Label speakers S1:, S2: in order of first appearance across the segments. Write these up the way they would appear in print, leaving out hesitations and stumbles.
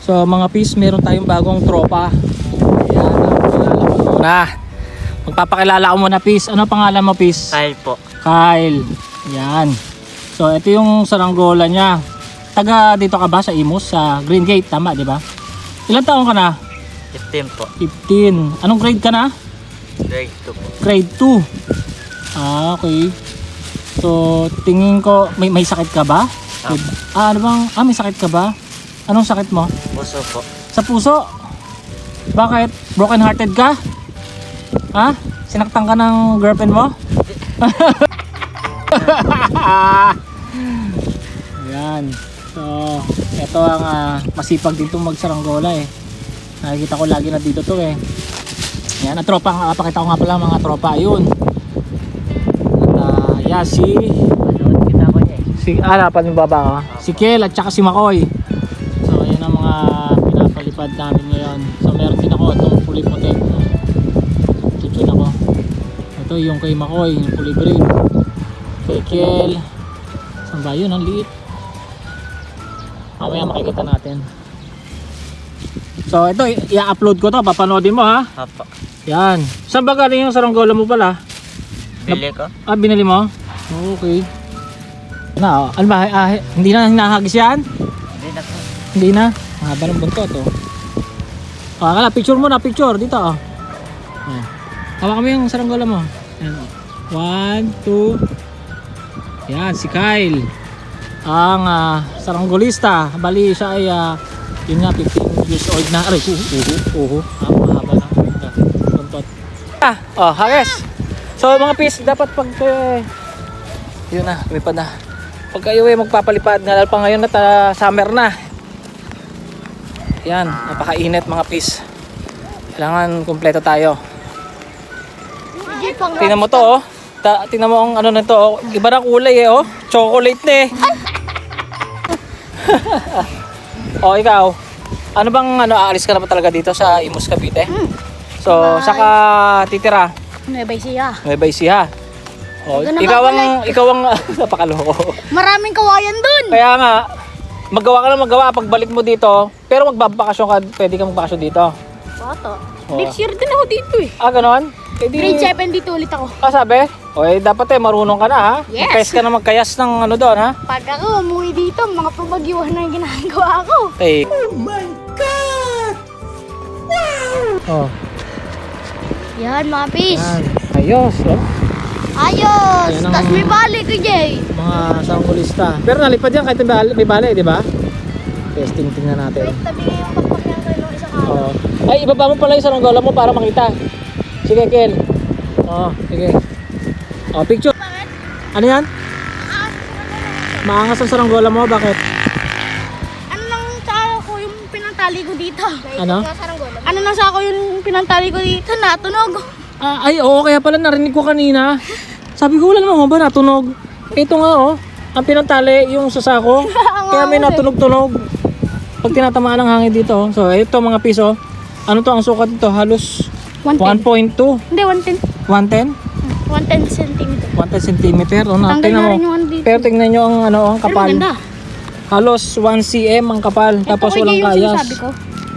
S1: So mga pis, meron tayong bagong tropa. Ayan, pakilala ko muna. Magpapakilala ko muna pis. Ano pangalan mo pis?
S2: Kyle po.
S1: Kyle. Yan. So ito yung saranggola niya. Taga dito ka ba sa Imus? Sa Green Gate, tama di ba? Ilan taon ka na?
S2: 15 po.
S1: 15. Anong grade ka na?
S2: Grade 2 po.
S1: Grade 2. Ah, okay. So tingin ko, may sakit ka ba? Ano bang, may sakit ka ba? Anong sakit mo?
S2: Puso po.
S1: Sa puso? Bakit? Broken hearted ka? Ha? Sinaktan ka ng girlfriend mo? Ayan. So, ito ang masipag dito magsaranggola eh. Nakikita ko lagi na dito to eh. Ayan, ang tropa, pakita ko nga pala mga tropa. Ayun. At yeah,
S2: Kita ko niya eh.
S1: hanapan yung baba ko. Si Kel at saka si Makoy. So, ayan ang mga pinapalipad namin ngayon. So, meron din ako itong puli puti. Tutsun ako. Ito yung kay Makoy, yung puli green. Kay Kel. Saan ba yun? Ang liit. Mamaya makikita natin. So, ito, i-upload ko to. Papanoodin mo ha.
S2: Apo.
S1: Yan. Saan ba galing yung saranggola mo pala?
S2: Bili ko?
S1: Binili mo? Okay. Ano ba? Hindi na hinahagis yan?
S2: Hindi na po.
S1: Hindi na. Mahaba ng buntot oh. Kala, picture mo na, picture dito oh. Hawakan mo yung saranggola mo. Ayan, oh. 1, 2. Yan, si Kyle. Ang saranggolista. Bali siya ay yun nga, 15 years old na. Aray, mahaba na buntot. Hagis. So mga pis, dapat pag yun na, lumipad na. Pag kayo magpapalipad, lalo pa ngayon at summer na. Yan, napakainit mga pis. Kailangan kumpleto tayo. Tingnan mo to oh. Tingnan mo ang ano nito oh. Iba na kulay eh oh. Chocolate na eh. Oh, ikaw. Ano bang aalis ka na pa talaga dito sa Imus, Cavite? So, saka titira?
S3: Nueva Ecija.
S1: Nueva Ecija. Oh, ikaw ang napakaloko.
S3: Maraming kawayan dun.
S1: Kaya nga, magawa pagbalik mo dito, pero magbabakasyon ka, pwede ka magbakasyon dito.
S3: Boto.
S1: Oh.
S3: Next year din ako dito eh.
S1: Ganon?
S3: Grade 7 dito ulit ako.
S1: Sabi? Dapat marunong ka na ha?
S3: Yes.
S1: Magkayas ka na magkayas ng ano doon ha?
S3: Pag ako umuwi dito, mga pabagyuhan na yung ginagawa ko.
S1: Hey. Oh my God! Wow! Oh.
S3: Yan mga pis.
S1: Yan. Ayos oh.
S3: Ayos!
S1: Yan ang-
S3: Tapos may balik ko Jay.
S1: Mga sanggolista. Pero nalipad yan kahit may bale, di ba? Testing tingnan natin.
S3: Wait, tabi nga yung pakpak niya kayo ng isang araw.
S1: Oh. Ay, ibaba mo pala yung saranggola mo para makita. Sige, Kel. Sige. Picture. Ano yan? Maangas ang saranggola mo, bakit?
S3: Ano nang sa ako yung pinantali ko dito?
S1: Ano?
S3: Ano nang sa ako yung pinantali ko dito? Natunog.
S1: Oo, kaya pala narinig ko kanina. Sabi ko, wala naman ba natunog? Ito nga oh, ang pinantali yung sasako. Kaya may natunog-tunog. Pag tinatamaan ng hangin dito. So, ito mga piso. Ano to ang sukat dito? Halos
S3: 110.
S1: 1.2.
S3: Hindi, 110.
S1: 110?
S3: 110 centimeter.
S1: 110 cm.
S3: Tanggal
S1: Tingnan
S3: na
S1: mo.
S3: rin yung ano dito.
S1: Pero tingnan nyo ang
S3: Pero
S1: kapal.
S3: maganda.
S1: Halos 1 cm ang kapal. Tapos
S3: Ito
S1: walang
S3: yung
S1: kayas.
S3: sinasabi ko.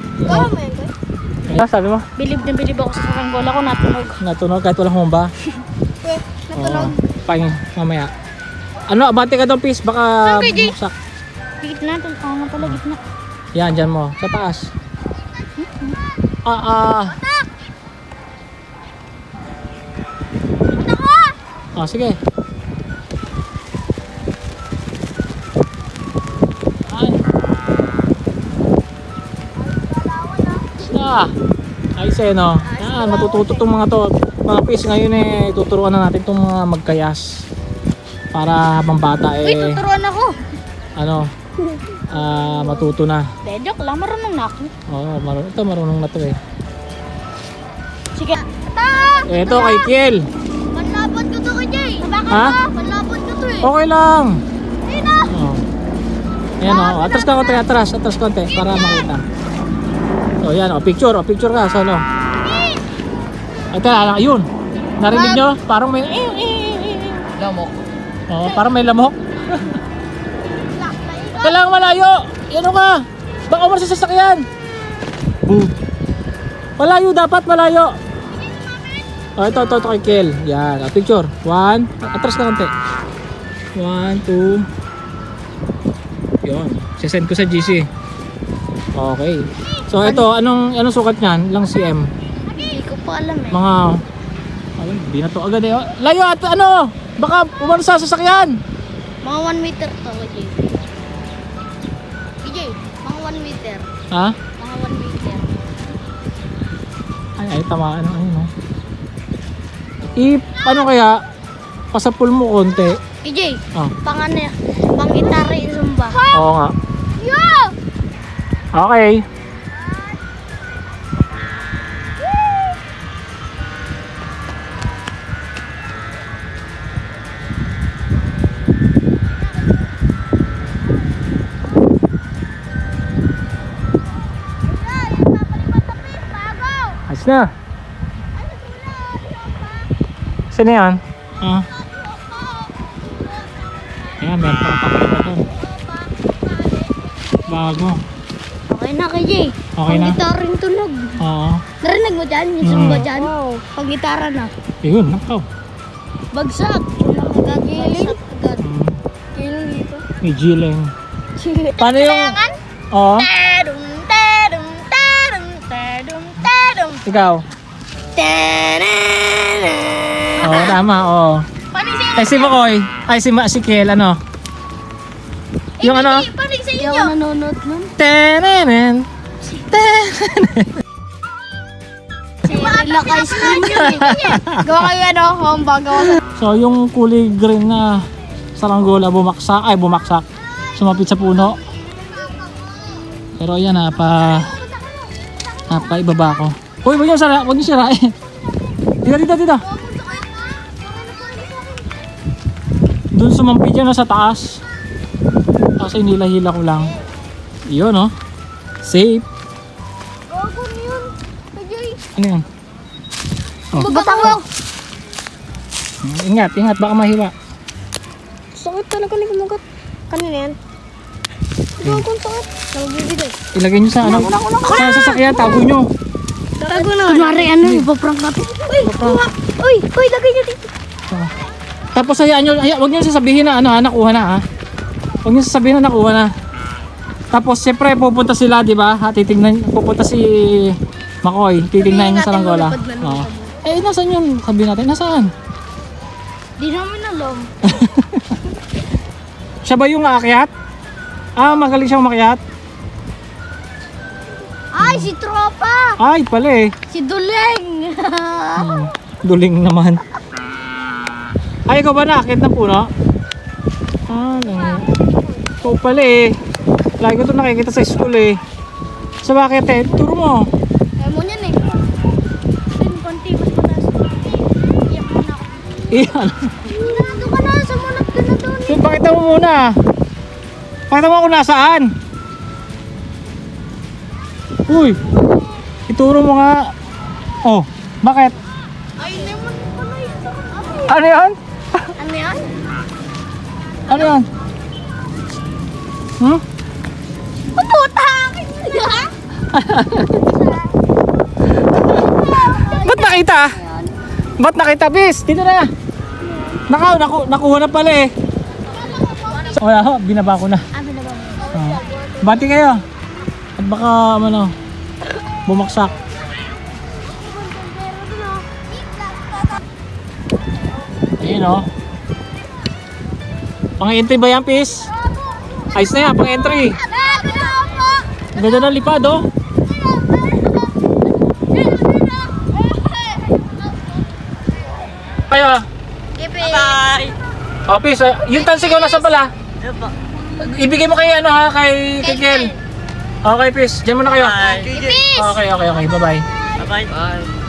S1: Sabi mo?
S3: Bilib na bilib ako sa saranggola ko, natunog.
S1: Natunog kahit walang humba.
S3: Natunog.
S1: Pahing mamaya. Abante ka doon, Pis. Baka
S3: Saan kayo, Jay?
S1: bumagsak.
S3: Gitna, oo nga pala, gitna.
S1: Yan, dyan mo. Sa taas. Sige. Ay. Ayos no. Yan, matututo tong mga to. Mga Pis, ngayon tuturuan na natin tong mga magkayas. Para habang bata
S3: Uy, tuturuan ako.
S1: Matuto na.
S3: De, joke lang, marunong na ako.
S1: Oo, marunong na to eh.
S3: Sige.
S1: Ito kay Kiel.
S3: Panlapot ko to kay Jay. Bakit
S1: Ha?
S3: ba? Panlapot ko to eh.
S1: Okay lang.
S3: Sino?
S1: Ayan atras ka konti, atras konti para makita. Yan picture ka sa ano. Ito, ayun. Narinig nyo? Parang may
S2: Lamok.
S1: parang may lamok. Kailangan malayo. Yan ka. Baka umalis sa sasakyan. Boom. Malayo dapat, malayo. Oh, ito kay Kel. Yan, picture. 1, atras na konti. 1, 2. Yun, sisend ko sa GC. Okay. So ito, anong sukat niyan? Ilang cm?
S3: Hindi ko pa alam eh.
S1: Mga alam, di na to agad eh. Layo at ano? Baka umalis sa sasakyan.
S3: Mga 1 meter to, KJ. KJ, mga 1 meter.
S1: Ha?
S3: Mga 1 meter.
S1: Ay, tamaan na ayun, no. Ano kaya? Pasapul mo konti.
S3: KJ,
S1: Oh.
S3: pang itari zumba.
S1: Oo nga.
S3: Yo!
S1: Okay. Ayos na. Saan na yan? Ah. Ayan, meron pa papakita doon. Bago.
S3: Okay na, KJ.
S1: Okay na?
S3: Pang gitaring tunog.
S1: Oo.
S3: Narinig mo dyan? Yung zumba dyan? Pang gitara na.
S1: Yun, nakaw.
S3: Bagsak. Giling. Agad. Giling dito.
S1: May G-Leng. Paano yung... Oo.
S3: Tadum, tadum, tadum, tadum, tadum.
S1: Ikaw.
S3: Tanana.
S1: Oo, tama, oo. Ay, si Makoy. Ay, si Kel, ano? Yung ano?
S3: Panig sa inyo. Hindi ako nanonood nun.
S1: Tenenen.
S3: Si Relax Ice Cream yun eh. Gawa kayo ano, homba, gawa sa...
S1: So, yung kulay green na saranggola bumaksak. Sumapit sa puno. Pero yan, ibaba ko. Uy, huwag niyo sirain. Dito. Doon sumampit yan sa taas. Kasi nilahila ko lang. Yun, oh. Safe.
S3: Gago yun. Kajay.
S1: Ano yun? Oh.
S3: Batang mo.
S1: Ingat, baka mahiwa.
S3: Sakit talaga ni kumagat. Kanina yan. Gago ang sakit. Nagbibigay.
S1: Ilagay nyo sa ano? Sa sasakyan, tago nyo.
S3: Tago na. Kunwari ano, ipaprank natin. Uy, lagay nyo dito.
S1: Oh. Tapos hayaan nyo, huwag nyo sasabihin na nakuha na ha. Huwag nyo sasabihin na nakuha na. Tapos siyempre pupunta sila, di ba? Pupunta si Makoy, titingnan niya sa Langgola. Oh. Eh, nasaan yun? Sabihin natin, nasaan?
S3: Di namin alam.
S1: Siya ba yung aakyat? Magaling siyang umakyat?
S3: Ay, si Tropa!
S1: Ay, pala eh.
S3: Si Duleng!
S1: Duling naman. Ay, ikaw ba naakyat ng puno? Ikaw pala eh. Lagi ko ito nakikita sa school eh. Sa bakit eh? Turo mo.
S3: Kaya mo niyan eh. Konti, mas mataas. Iyak mo na ako.
S1: Iyan.
S3: Nandun ka na, sumunod ka na doon.
S1: So, pakita mo muna. Pakita mo kung nasaan. Uy. Ituro mo nga. Oh, bakit?
S3: Ay, naman pala yun.
S1: Ano yan?
S3: Ano yan?
S1: Ano yan? Hmm?
S3: Puta!
S1: Ba't nakita? Ba't nakita, bis? Dito na. Nakuha na pala eh. Wala ho, binaba ko na. Bati kayo. At baka bumaksak. Ayun o. Pang-entry ba yan, pis? Ayos na yan, pang-entry. Ganda ng lipad oh. Kayo.
S3: Bye!
S1: Oh, pis, yung tansigaw nasa pala. Ibigay mo kay kay Kel. Okay, pis. Diyan muna kayo.
S3: Ipis!
S1: Okay. Bye-bye.
S2: Bye-bye. Bye.